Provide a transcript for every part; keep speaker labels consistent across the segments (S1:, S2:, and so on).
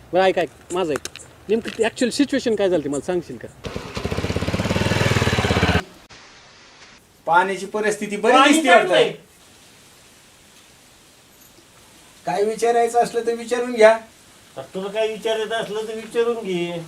S1: बरं ऐक ऐक माझं ऐक नेमकं ॲक्च्युअल सिच्युएशन काय झाली मला सांगशील का?
S2: पाण्याची परिस्थिती बरी दिसते वाटतं. काय विचारायचं असलं तर विचारून घ्या.
S3: तुला काय विचारायचं असलं तर विचारून घे.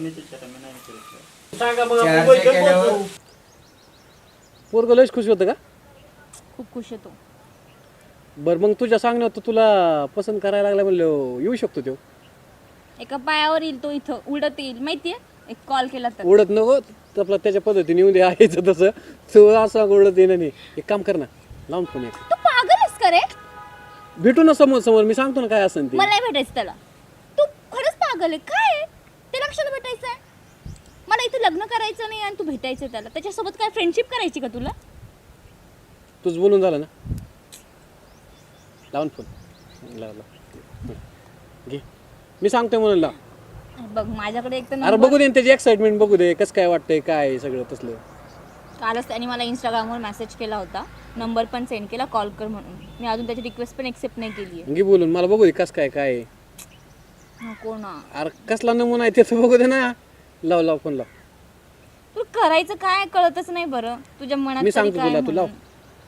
S3: सांगा
S2: केल्यावर
S3: मग.
S1: पोरगं लयच खुश होतं का?
S4: खूप खुश होतो.
S1: बरं मग तुझ्या सांगण्यावर तर तुला पसंत करायला लागला म्हणलं येऊ शकतो तो.
S4: एका पायावर येईल तो, इथं उडत येईल माहितीये. एक कॉल केला तर
S1: उडत नको आपला त्याच्या पद्धतीने येऊन दे आहेच तसं तू असं उडत येणं नाही. एक काम कर ना लावून फोन एक
S4: तू पागल आहेस का रे?
S1: भेटू ना समोर समोर मी सांगतो ना काय असेल ते.
S4: मला नाही भेटायचं त्याला. तू खरंच पागल आहे काय? त्याला कशाला भेटायचंय? मला इथे लग्न करायचं नाही आणि तू भेटायचंय त्याला. त्याच्यासोबत काय फ्रेंडशिप करायची का तुला?
S1: तुझं बोलून झालं ना लावून फोन लाव घे मी सांगतोय म्हणून लाव.
S4: बघ माझ्याकडे एक तर
S1: अरे बघू दे ना त्याची एक्साइटमेंट बघू दे कसं काय वाटतंय काय सगळं तसलं.
S4: कालच त्याने मला इंस्टाग्रामवर मेसेज केला होता, नंबर पण सेंड केला कॉल कर म्हणून. मी अजून त्याची रिक्वेस्ट पण एक्सेप्ट नाही केली आहे.
S1: घे बोलून मला बघू दे कसं काय काय आहे.
S4: नको ना.
S1: अरे कसला नमुना आहे त्याचं बघू दे ना. लाव लाव फोन लाव.
S4: तुला करायचं काय कळतच नाही बरं. तुझ्या मनात
S1: मी
S4: तरी
S1: सांगतो
S4: काय
S1: तुला तू लाव.
S4: म्हणून.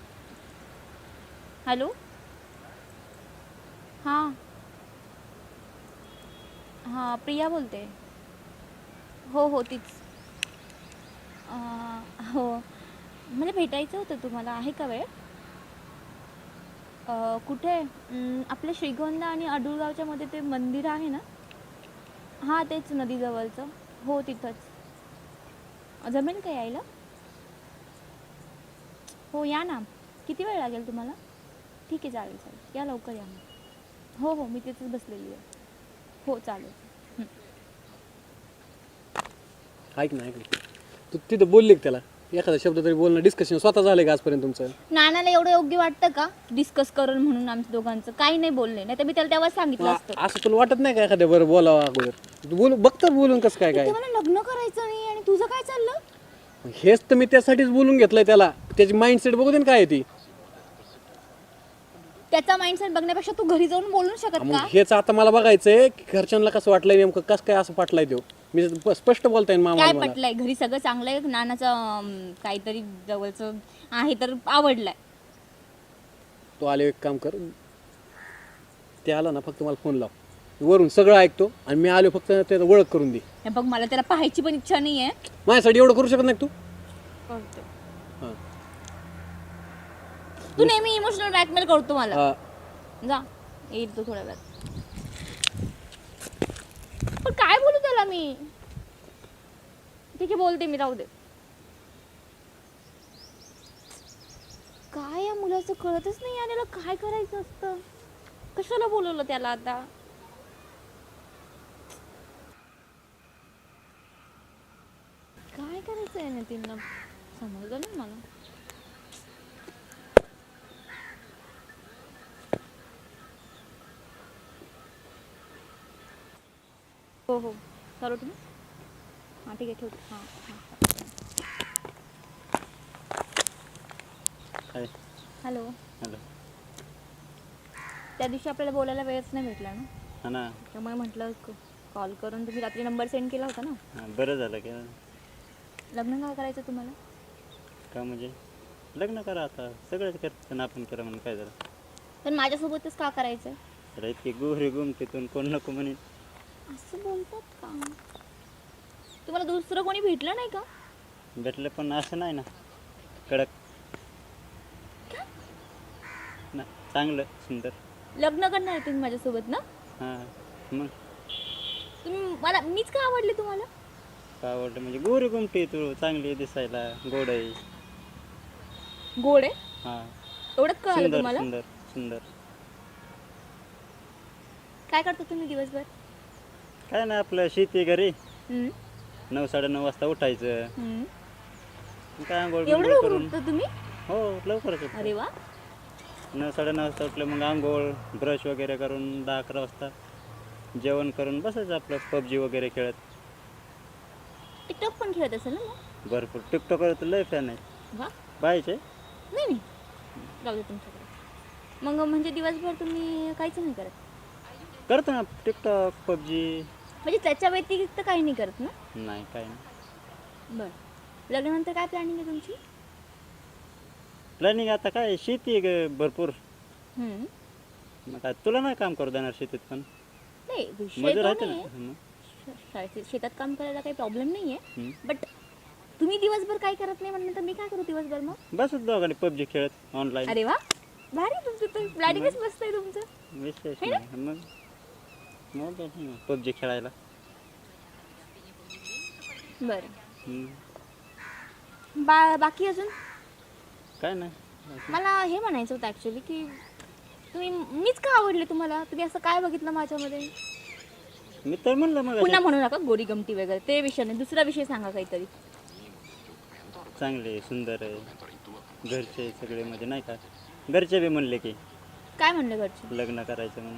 S4: हॅलो हां हां प्रिया बोलते. हो हो तीच. हो मला भेटायचं होतं. तुम्हाला आहे का वेळ? कुठे? आपल्या श्रीगोंदा आणि अडुळगावच्या मध्ये ते मंदिर आहे ना. हां तेच नदीजवळचं. हो तिथंच. जमेल का यायला? हो या ना. किती वेळ लागेल तुम्हाला? ठीक आहे चालेल चालेल या लवकर या. हो हो मी तिथेच बसलेली आहे. हो चालेल.
S1: ऐक ना ऐक ना तू तिथं बोलली का त्याला एखादा शब्द तरी बोलणं डिस्कशन स्वतः झालंय का आजपर्यंत तुमचं?
S4: नानाला एवढं योग्य वाटतं का डिस्कस करून म्हणून आमच्या दोघांचं? काही नाही बोलले. नाही तर मी त्याला तेव्हा सांगितलं असतं.
S1: असं तुला वाटत नाही का एखाद्या बरं बोलावं अगोदर? तू बोल बघतात बोलून कसं काय काय.
S4: ते मला लग्न करायचं नाही आणि तुझं काय चाललं?
S1: हेच तर मी त्यासाठीच बोलून घेतलंय त्याला. त्याची माइंडसेट बघू दे ना काय आहे ती.
S4: त्याचा माइंडसेट बघण्यापेक्षा तू घरी जाऊन बोलू शकत
S1: मग
S4: का?
S1: हेच आता मला बघायचंय की घरच्यांना कसं वाटलंय नेमकं कसं काय असं पाटलाय तो. मी स्पष्ट बोलताय
S4: काय
S1: मामा मला.
S4: पटलंय? घरी सगळं चांगलं आहे. नानाचं काहीतरी जवळचं आहे तर आवडलंय.
S1: तो आले एक काम कर ते आला ना फक्त मला फोन लाव वरून सगळं ऐकतो आणि मी आलो फक्त त्याला ओळख करून दे.
S4: हे बघ मला त्याला पाहायची पण इच्छा नाहीये.
S1: माझ्यासाठी एवढं करू शकत नाही का तू? हां
S4: तू नेहमी इमोशनल ब्लॅकमेल करतो मला.
S1: हां.
S4: जा येईल तू थोड्या वेळात. पण काय बोलू त्याला मी? ठीक आहे बोलते मी, राहू दे. काय या मुलाचं कळतच नाही याला काय करायचं असतं. कशाला बोलवलं त्याला आता? काय करायचं आहे नितीनला समजलं नाही मला. हो हो चालू तुम्ही. हां ठीक आहे ठेवते. हां
S3: काय?
S4: हॅलो.
S3: हॅलो.
S4: त्या दिवशी आपल्याला बोलायला वेळच नाही भेटला ना.
S3: हा ना.
S4: त्यामुळे म्हटलं कॉल करून. तुम्ही रात्री नंबर सेंड केला होता ना.
S3: बरं झालं का?
S4: लग्न का करायचं तुम्हाला?
S3: का म्हणजे लग्न करा आता. सगळंच करतं आपण करा म्हणून काय झालं?
S4: पण माझ्यासोबतच का करायचं?
S3: तर इतकी गोहरी गुमतीतून कोण नको म्हणे.
S4: असं बोलतात का? तुम्हाला दुसरं कोणी भेटलं नाही का?
S3: भेटलं पण असं नाही ना कडक ना. चांगलं सुंदर.
S4: लग्न करणार आहे तुम्ही माझ्यासोबत ना?
S3: हां मग
S4: तुम्ही मला मीच का आवडले तुम्हाला?
S3: का आवडलं म्हणजे गोरी गुमटी तू चांगली दिसायला गोड आहे.
S4: गोड आहे
S3: हां
S4: एवढंच कळालं
S3: सुंदर
S4: तुम्हाला?
S3: सुंदर सुंदर.
S4: काय करता तुम्ही दिवसभर?
S3: काय नाही आपलं शेती घरी.
S4: हम्म,
S3: 9-9:30 वाजता उठायचं.
S4: हम्म.
S3: काय आंघोळ
S4: एवढं
S3: बिंघोळ
S4: लवकर
S3: करून.
S4: उठता तुम्ही?
S3: हो लवकरच उठतो.
S4: अरे वा.
S3: 9-9:30 वाजता उठलं मग आंघोळ ब्रश वगैरे करून 10-11 वाजता जेवण करून बसायचं आपलं पबजी वगैरे खेळत.
S4: टिकटॉक पण खेळत असेल ना मग?
S3: भरपूर टिकटॉकर तर लय फॅन आहे.
S4: वा.
S3: पाहायचे.
S4: नाही नाही जाऊ दे तुमच्याकडे. मग म्हणजे दिवसभर तुम्ही काहीच नाही करत?
S3: करतो ना टिकटॉक पबजी.
S4: म्हणजे त्याच्या व्यतिरिक्त काही नाही करत ना?
S3: नाही काय नाही.
S4: बरं. लग्नानंतर काय प्लॅनिंग आहे तुमची?
S3: प्लॅनिंग आता काय शेती आहे भरपूर.
S4: हम्म.
S3: मग काय तुला नाही काम करू देणार शेतीत पण
S4: नाही विषय
S3: मजा
S4: तो
S3: राहते
S4: नाही
S3: ना.
S4: शेतात काम करायला काही प्रॉब्लेम नाही आहे.
S3: हम्म.
S4: बट तुम्ही दिवसभर काय करत नाही म्हणलं तर मी काय करू दिवसभर मग?
S3: बस दोघांनी पबजी खेळत ऑनलाईन.
S4: अरे वा, भारी तुमचं तर प्लॅनिंगच मस्त आहे तुमचं.
S3: विशेष
S4: है ना?
S3: नाही मग पबजी खेळायला.
S4: बरं.
S3: हम्म.
S4: बाकी अजून
S3: काय नाही.
S4: मला हे म्हणायचं होतं ॲक्च्युली की मीच का आवडले तुम्हाला? तुम्ही असं काय बघितलं माझ्यामध्ये?
S3: मी तर म्हणलं मग
S4: पुन्हा म्हणू नका गोरी गमटी वगैरे, ते विषय नाही, दुसरा विषय सांगा काहीतरी.
S3: चांगले सुंदर आहे घरचे सगळे म्हणजे नाही का. घरचे बी म्हणले की
S4: काय म्हणले घरचे?
S3: लग्न करायचं म्हणून.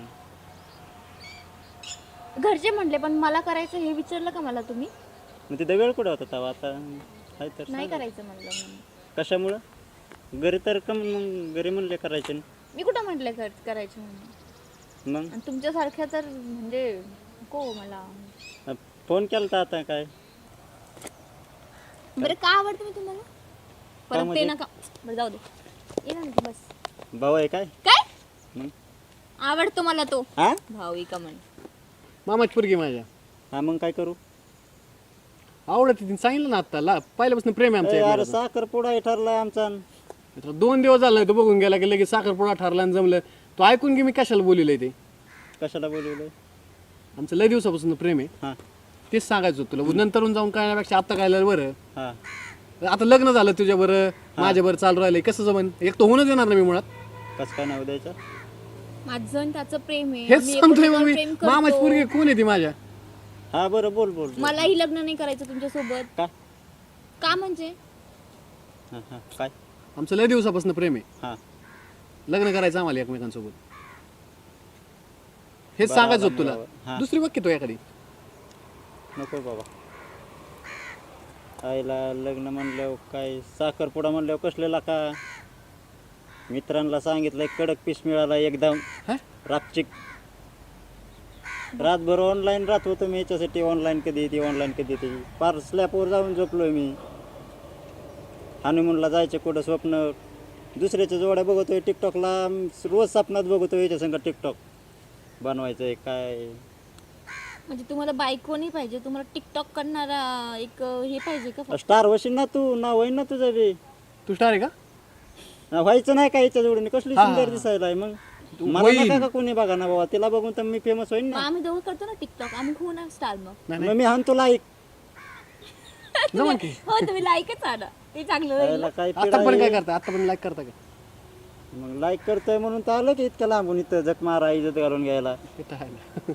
S4: घरचे म्हणले पण मला करायचं हे विचारलं का मला तुम्ही?
S3: मग तिथं वेळ कुठं होता तेव्हा आता आहे तर
S4: नाही
S3: सांगा.
S4: करायचं म्हणलं म्हणून.
S3: कशामुळं घरी तर कम मग घरी म्हणले करायचे ना.
S4: मी कुठं म्हटलं करायचं म्हणून?
S3: मग
S4: आणि तुमच्यासारख्या तर म्हणजे नको मला.
S3: फोन केला तर आता काय
S4: बरं का आवडतं मी तुम्हाला? परत ते
S3: म्हणजे?
S4: नका, बरं जाऊ दे. ये ना तू बस.
S3: भाऊ आहे काय
S4: काय
S3: मग
S4: आवडतो मला तो
S3: हा
S4: भाऊ का म्हण.
S1: मामाची पोरगी माझ्या
S3: हा मग काय करू.
S1: आवडत तिने सांगितलं ना आता पहिल्यापासून प्रेम आहे
S3: अरे
S1: आमच्या
S3: साखरपुडा ठरलाय आमचा.
S1: 2 दिवस झाला तो बघून गेला की लगेच साखरपुडा ठरला आणि जमलं. तो ऐकून घे मी कशाला बोललेलं ते.
S3: कशाला बोलवलंय.
S1: आमचं लय दिवसापासून प्रेम आहे.
S3: हा
S1: तेच सांगायचं होतं तुला. नंतरून जाऊन कळण्यापेक्षा आता कळलं बरं.
S3: हा
S1: आता लग्न झालं तुझ्या बरं माझ्या बरं चालू राहिलंय कसं जमन. एक तर होणं देणार ना मी मुळात.
S3: कसं काय नाव द्यायचं.
S4: माझं आणि त्याचं प्रेम आहे.
S1: हेच
S4: आम्ही
S1: सांगतोय मग
S4: एकमेकांवर
S1: मी.
S4: प्रेम करतो.
S1: मामाची पोरगी कोण आहे ती माझ्या?
S3: हा बरं बोल बोल बोल.
S4: मलाही लग्न नाही करायचं तुमच्यासोबत.
S3: का
S4: का म्हणजे?
S3: हा हा काय
S1: आमचं लय दिवसापासून प्रेम आहे.
S3: हा
S1: लग्न करायचं आम्हाला एकमेकांसोबत. हेच
S3: बरं,
S1: सांगायचं होतं
S3: आला
S1: तुला.
S3: हा.
S1: दुसरी बघ की तो एखादी.
S3: नको बाबा. आईला लग्न म्हणल्यावर काय साखरपुडा म्हणल्यावर कसलेला का. मित्रांना सांगितलंय कडक पीस मिळाला एकदम
S1: हा?
S3: रापचिक. रातभर ऑनलाईन राहत होतो मी याच्यासाठी. ऑनलाईन कधी येते ऑनलाईन कधी येते. पार स्लॅपवर जाऊन झोपलोय मी. हनीमूनला जायचे कुठं स्वप्न. दुसऱ्याच्या जोड्या बघतोय टिकटॉकला. रोज स्वप्नात बघतोय याच्या संग टिकटॉक बनवायचंय काय.
S4: म्हणजे तुम्हाला बायको नाही पाहिजे, तुम्हाला टिकटॉक करणारा एक हे पाहिजे का फक्त?
S3: स्टार होशील ना तू. नाव होईन ना तुझं बी.
S1: तू स्टार आहे का?
S3: व्हायचं नाही का याच्या जोडीने. कसली
S1: हा,
S3: सुंदर
S1: हा.
S3: दिसायला आहे मग.
S1: तू
S3: मला
S1: होईन.
S3: नका का कोणी बघा ना बाबा. तिला बघून तर मी फेमस होईन
S4: मग
S3: ना.
S4: आम्ही दोघं करतो ना टिकटॉक, आम्ही होऊ ना स्टार मग.
S1: नाही,
S3: मग
S1: नाही.
S3: मी हाणतो लाईक.
S1: जमन की.
S4: हो तुम्ही लाईकच आणा, ते चांगलं होईल.
S3: याला काय
S1: आता पण
S3: पिढा
S1: काय
S3: आहे.
S1: करता? आता पण लाईक करता का?
S3: मग लाईक करतोय म्हणून तर आलं की इतक्या लांबून इथं जग मारा इज्जत घालून घ्यायला.
S1: ते तर आहे ना.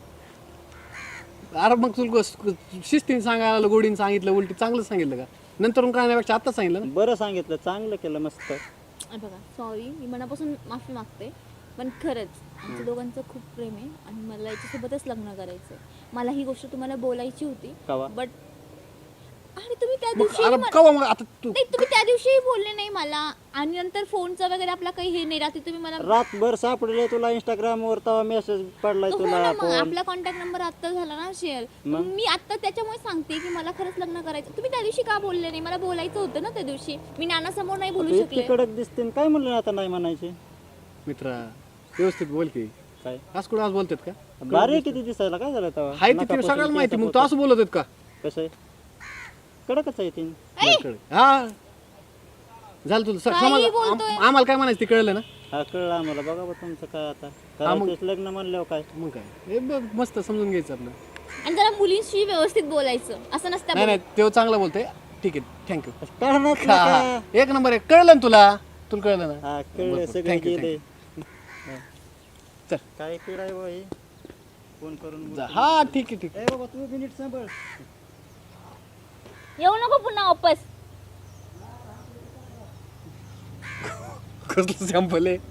S1: अरे मग तुला शिस्तीने सांगायला गोडीने सांगितलं उलटी चांगलं सांगितलं का? नंतर कळण्यापेक्षा आता सांगितलं ना.
S3: बरं सांगितलं चांगलं केलं मस्त.
S4: बघा सॉरी, मी मनापासून माफी मागते, पण खरंच आमच्या दोघांचं खूप प्रेम आहे आणि मला याच्यासोबतच लग्न करायचं. मला ही गोष्ट तुम्हाला बोलायची होती,
S3: कवा
S4: बट आणि तुम्ही त्या
S1: मग
S4: दिवशी
S1: अरे कवा मग आता तू
S4: नाही, तुम्ही त्या दिवशीही बोलले नाही मला. आणि नंतर फोनचं वगैरे आपला काही हे नाही. रात्री तुम्ही मला
S3: रातभर सापडले तुला इंस्टाग्रामवर तेव्हा मेसेज पडलाय
S4: हो
S3: तुला
S4: ना, मग
S3: फोन.
S4: आपला कॉन्टॅक्ट नंबर आता झाला ना शेअर.
S3: मग?
S4: मी आता त्याच्यामुळे सांगते की मला खरंच लग्न करायचं. तुम्ही त्या दिवशी का बोलले नाही? मला बोलायचं होतं ना त्या दिवशी. मी नानासमोर नाही बोलू
S3: तू
S4: शकले.
S3: इतकी कडक दिसते काय म्हणलं आता नाही म्हणायचे.
S1: मित्रा व्यवस्थित बोल की.
S3: काय
S1: आज कुठं आज बोलतात का?
S3: भारी आहे किती दिसायला. काय झालं तेव्हा.
S1: हाय ते तुला सगळ्याला माहिती. मग तू असं बोलत आहेत का?
S3: कसं आहे कडकच आहे ती.
S1: हा झालं तुला
S4: काही
S1: समज.
S4: बोलतोय.
S1: आम्हाला काय म्हणायचं ते कळलं ना.
S3: हा कळलं आम्हाला. बघा बा तुमचं काय आता
S1: हा, मग.
S3: करायचंच लग्न म्हणल्यावर काय.
S1: मग काय हे बघ, मस्त समजून घ्यायचं आपलं.
S4: आणि जरा मुलींशी व्यवस्थित बोलायचं, असं नसतं
S1: नाही नाही तो चांगला बोलतोय. ठीक आहे थँक्यू.
S3: कळणार का.
S1: एक नंबर आहे. कळलं ना तुला? तुला कळलं ना?
S3: हा कळलं
S1: बरं,
S3: सगळं
S1: thank you,
S3: गेले.
S1: चल.
S3: काय पिढाय बा हे फोन करून
S1: जा. हा ठीक आहे ठीक
S3: ए बाबा तू मिनिट सांभाळ.
S4: येऊ नको पुन्हा वापस.
S1: आहे. कसलं सॅम्पल आहे.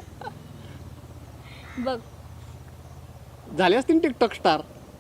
S4: बघ
S1: झाले असतील टिकटॉक स्टार.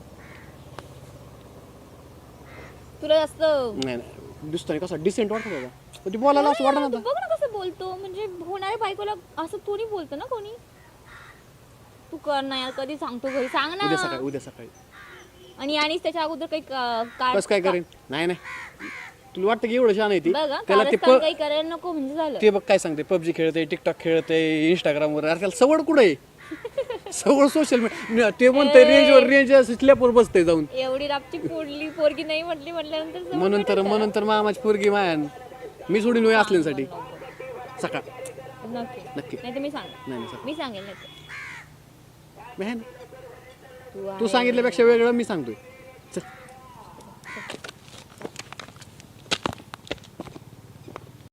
S4: तुला जास्त
S1: नाही नाही दिसतोय कसा डिसेंट वाटत होता. पण ती बोलायला असं वाटत
S4: तू
S1: नव्हतं.
S4: बघ ना कसं बोलतो. म्हणजे होणाऱ्या बायकोला असं थोडी बोलतो ना कोणी. तू कर ना यार, कधी सांगतो घरी, सांग
S1: उद्या
S4: ना.
S1: सकाळी
S4: आणि त्याच्या अगोदर काही
S1: कसं काय करेन? नाही तुला वाटतं की एवढं छान आहे ती
S4: बघा
S1: त्याला ते
S4: कारस्थान काही करायला नको म्हणजे झालं.
S1: ते बघ काय सांगते, पबजी खेळते, टिकटॉक खेळते, इंस्टाग्रामवर. अरे त्याला सवड कुठं आहे? सवड सोशल मीडिया. ते म्हणतंय रेंज स्लॅपवर बसतंय जाऊन.
S4: एवढी रापची पोडली पोरगी नाही म्हटल्यानंतर समज
S1: म्हणून तर मामाची पोरगी मायान मी सोडून वय असल्यासाठी सकाळ
S4: नक्की नाही तर मी सांग
S1: नाही
S4: मी सांगेल नाही तर.
S1: मी आहे ना. तू सांगितल्यापेक्षा वेगळं मी सांगतोय.